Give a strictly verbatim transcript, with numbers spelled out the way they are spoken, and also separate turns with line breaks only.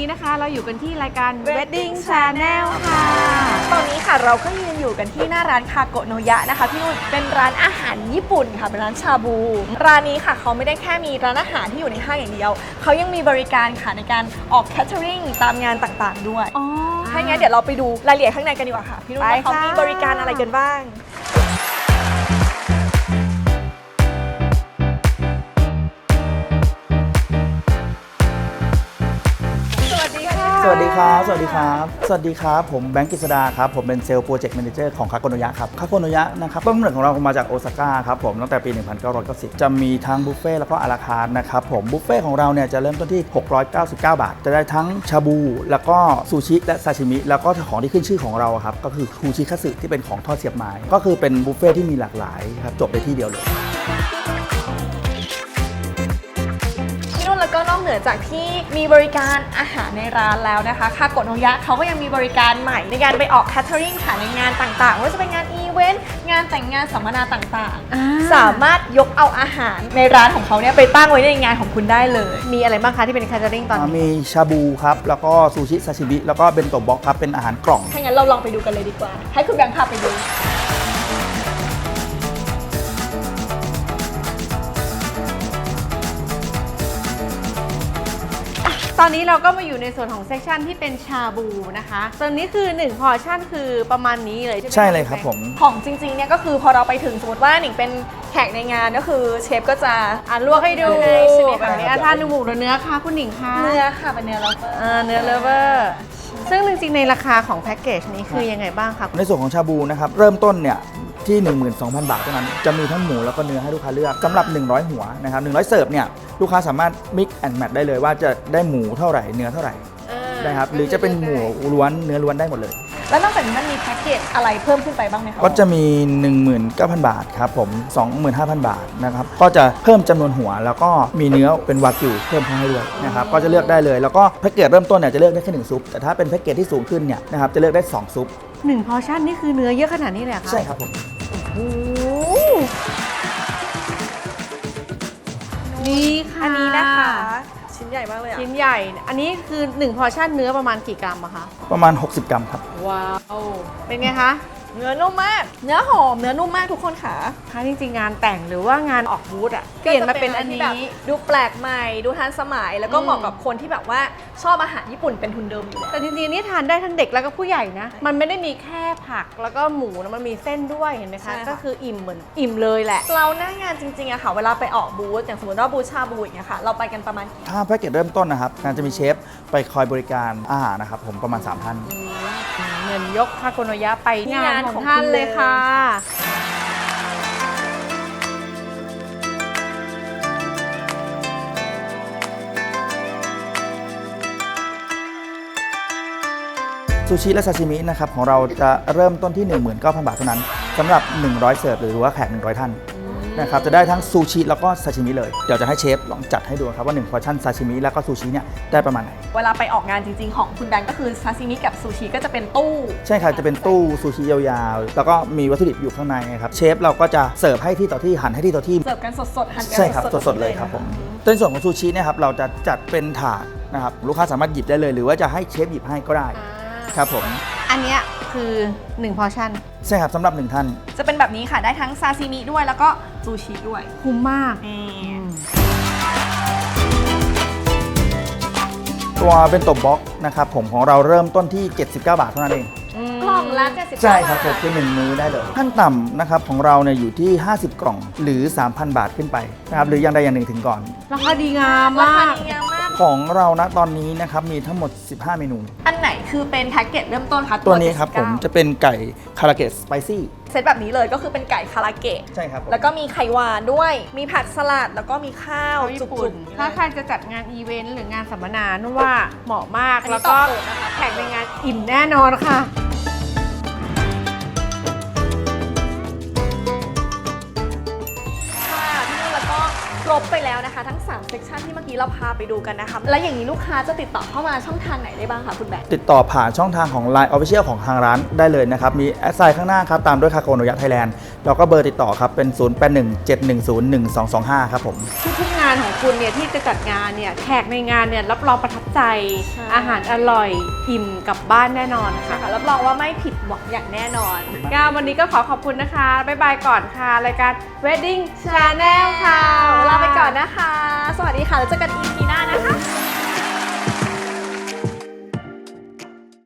นี้นะคะเราอยู่กันที่รายการ Wedding Channel ค่ะ
ตอนนี้ค่ะเราก็ยืนอยู่กันที่หน้าร้านคาโกะโนยะนะคะพี่นุ่นเป็นร้านอาหารญี่ปุ่นค่ะเป็นร้านชาบูร้านนี้ค่ะเขาไม่ได้แค่มีร้านอาหารที่อยู่ในห้างอย่างเดียวเขายังมีบริการค่ะในการออกแคทเทอริงตามงานต่างๆด้วยอ๋อถ้างั้นเดี๋ยวเราไปดูรายละเอียดข้างในกันดีกว่าค่ะพี่นุ่นว่าเขามีบริการอะไรกันบ้าง
สวัสดีครับ สวัสดีครับ สวัสดีครับ ผมแบงค์กฤษดาครับ ผมเป็นเซลล์โปรเจกต์แมเนเจอร์ของคาโกโนยะครับ คาโกโนยะนะครับต้นกำเนิดของเรามาจากโอซาก้าครับผมตั้งแต่ปี หนึ่งพันเก้าร้อยเก้าสิบ จะมีทั้งบุฟเฟ่แล้วก็อาราคาร์ทนะครับผม บุฟเฟ่ของเราเนี่ยจะเริ่มต้นที่ หกร้อยเก้าสิบเก้า บาท จะได้ทั้งชาบู แล้วก็ซูชิและซาชิมิ แล้วก็ของที่ขึ้นชื่อของเราครับก็คือคูชิคัตสึที่เป็นของทอดเสียบไม้ ก็คือเป็นบุฟเฟ่ที่มีหลากหลายครับจบในที่เดียวเลย
แล้วก็นอกเหนือจากที่มีบริการอาหารในร้านแล้วนะคะคาโกะโนยะเขาก็ยังมีบริการใหม่ในการไปออกแคทเทอริงค่ะในงานต่างๆว่าจะเป็นงานอีเวนต์งานแต่งงานสัมมนาต่างๆสามารถยกเอาอาหารในร้านของเขาเนี่ยไปตั้งไว้ในงานของคุณได้เลยมีอะไรบ้างคะที่เป็นแคทเทอริงตอนนี้
มีชาบูครับแล้วก็ซูชิซาชิมิแล้วก็เบนโตะบ็อกครับเป็นอาหารกล่อง
ถ้างั้นเราลองไปดูกันเลยดีกว่าให้คุณแบงค์พาไปดู
ตอนนี้เราก็มาอยู่ในส่วนของเซกชันที่เป็นชาบูนะคะตอนนี้คือหนึ่งพอร์ชั่นคือประมาณนี้เลยใช่ไหม
ใช่เลยครับผม
ของจริงๆเนี่ยก็คือพอเราไปถึงสมมติว่าหนิงเป็นแขกในงานก็คือเชฟก็จะ
อ่ะลวกให้ดู
ใช่ไหม
แบบนี้ทานหมูหรือเนื้อคะคุณหนิงคะ
เนื้อค่ะเป็นเนื้อเลเวอร์
อ่าเนื้อเลเวอร์ซึ่งจริงๆในราคาของแพ็กเกจนี้คือยังไงบ้างคะ
ในส่วนของชาบูนะครับเริ่มต้นเนี่ยที่ หนึ่งหมื่นสองพัน บาทเท่านั้นจะมีทั้งหมูแล้วก็เนื้อให้ลูกค้าเลือกสำหรับหนึ่งร้อยหัวนะครับหนึ่งร้อยเสิร์ฟเนี่ยลูกค้าสามารถ mix and match ได้เลยว่าจะได้หมูเท่าไหร่เนื้อเท่าไหร่นะครับหรือจะเป็นหมูล้วนเนื้อล้วนได้หมดเลย
แล้วนอกจากนี้มันมีแพ็กเกจอะไรเพิ่มขึ้นไปบ้างไหมคะ
ก็จะมี หนึ่งหมื่นเก้าพัน บาทครับผม สองหมื่นห้าพัน บาทนะครับก็จะเพิ่มจำนวนหัวแล้วก็มีเนื้อเป็นวากิวเพิ่มเข้าให้ด้วยนะครับก็จะเลือกได้เลยแล้วก็แพ็กเกจเริ่มต้นเนี่ยจะเลือกได้แค่หนึ่งซุปแต่ถ้าเป็นแพ็กเกจที่สูงขึ้นเนี่ยนะครับจะเลือกได้สองซุป
หนึ่งพอร์ชั่นนี่คือเนื้อเยอะขนาดนี้เลยเหรอคะ
ใช่ครับผม
โอ้นี่ค่ะ
อันนี้นะคะชิ้นใหญ่มากเลยอ่ะ
ชิ้นใหญ่อันนี้คือหนึ่งพอร์ชั่นเนื้อประมาณกี่กรัมอะคะ
ประมาณหกสิบกรัมครับ
ว้าวเป็นไงคะ
เนื้อนุ่มมากเนื้อหอมเนื้อนุ่มมากทุกคนค่ะ
ถ้าจริงๆงานแต่งหรือว่างานออกบูธอะเปลี่ยนมาเป็นอันนี้
ดูแปลกใหม่ดูทันสมัยแล้วก็เหมาะกับคนที่แบบว่าชอบอาหารญี่ปุ่นเป็นทุนเดิมอยู่
แต่จริงๆนี่ทานได้ทั้งเด็กแล้วก็ผู้ใหญ่นะมันไม่ได้มีแค่ผักแล้วก็หมูนะมันมีเส้นด้วยเห็นไหมคะก็คืออิ่มเหมือนอิ่มเลยแหละ
เราหน้างานจริงๆอะค่ะเวลาไปออกบูธอย่างสมมติว่าบูธชาบูอย่างเงี้ยค่ะเราไปกันประมาณ
ถ้าแพ็กเกจเริ่มต้นนะครับงานจะมีเชฟไปคอยบริการอาหารนะครับผมประมาณสามท่าน
เงินยกคาโกโนยะไปงานของท่านเลยค่ะ
ซูชิและซาชิมินะครับของเราจะเริ่มต้นที่ หนึ่งหมื่นเก้าพัน บาทเท่านั้นสำหรับหนึ่งร้อยเสิร์ฟหรือว่าแขกหนึ่งร้อยท่านนะครับจะได้ทั้งซูชิแล้วก็ซาชิมิเลยเดี๋ยวจะให้เชฟลองจัดให้ดูครับว่าหนึ่งพอร์ชั่นซาชิมิแล้วก็ซูชิเนี่ยได้ประมาณไหน
เวลาไปออกงานจริงๆของคุณแบงก์ก็คือซาชิมิกับซูชิก็จะเป็นตู้
ใช่ครับจะเป็นตู้ซูชิยาวๆแล้วก็มีวัตถุดิบอยู่ข้างในครับเชฟเราก็จะเสิร์ฟให้ที่ต่อที่หั่นให้ที่ต่อที่
เสิร์ฟกันสดๆหั่นกัน
ใช่ครับสดๆเลยครับผมในส่วนของซูชิเนี่ยครับเราจะจัดเป็นถาดนะครับลูกค้าสามารถหยิบได้เลยหรือว่าจะให้เชฟหยิบให้ก็ได้ครับผม
อันนี้คือหนึ่งพอร์ชั่น
ใช่ครับสำหรับหนึ่งท่าน
จะเป็นแบบนี้ค่ะได้ทั้งซาซิมิด้วยแล้วก็ซูชิด้วย
คุ้มมาก
ตัวเบนโตะบ็อกนะครับผมของเราเริ่มต้นที่เจ็ดสิบเก้าบาทเท่านั้นเอง
กล่องละเจ็ดสิบเก้าบาท
ใช่ครับผมคือหนึ่งมื้อได้เลยขั้นต่ำนะครับของเราเนี่ยอยู่ที่ห้าสิบกล่องหรือ สามพัน บาทขึ้นไปนะครับหรืออย่างใดอย่างหนึ่งถึงก่อน
ราคาดีงามมาก
ของเรานะตอนนี้นะครับมีทั้งหมดสิบห้าเมนู
อันไหนคือเป็นแพ็กเกจเริ่มต้นคะ
ตัวนี้ครับผมจะเป็นไก่คาราเกะสไปซี่
เซตแบบนี้เลยก็คือเป็นไก่คาราเกะ
ใช่ครับ
แล้วก็มีไข่หวานด้วยมีผักสลัดแล้วก็มีข้าว
ญี่ปุ่นถ้าใครจะจัดงานอีเวนต์หรืองานสัมมนานุ่นว่าเหมาะมากแล้วก็แขกในงานอิ่มแน่นอนค่ะ
ครบไปแล้วนะคะทั้งสามเซกชันที่เมื่อกี้เราพาไปดูกันนะคะและอย่างนี้ลูกค้าจะติดต่อเข้ามาช่องทางไหนได้บ้างคะคุณแบงค์
ติดต่อผ่านช่องทางของ ไลน์ Official ของทางร้านได้เลยนะครับมีแอดไซน์ข้างหน้าครับตามด้วยคาโกโนยะไทยแลนด์เราก็เบอร์ติดต่อครับเป็น ศูนย์ แปด หนึ่ง เจ็ด หนึ่ง ศูนย์ หนึ่ง สอง สอง ห้า ครับผม
ทุกๆงานของคุณเนี่ยที่จะจัดงานเนี่ยแขกในงานเนี่ยรับรองประทับใจอาหารอร่อยอิ่มกลับบ้านแน่นอนค่ะ
ค่ะรับรองว่าไม่ผิดหวังอย่างแน่นอน
งานวันนี้ก็ขอขอบคุณนะคะ บ๊ายบายก่อนค่ะ รายการ Wedding Channel ค่ะ
ลาไปก่อนนะคะ สวัสดีค่ะ แล้วเจอกัน อี พี หน้านะคะ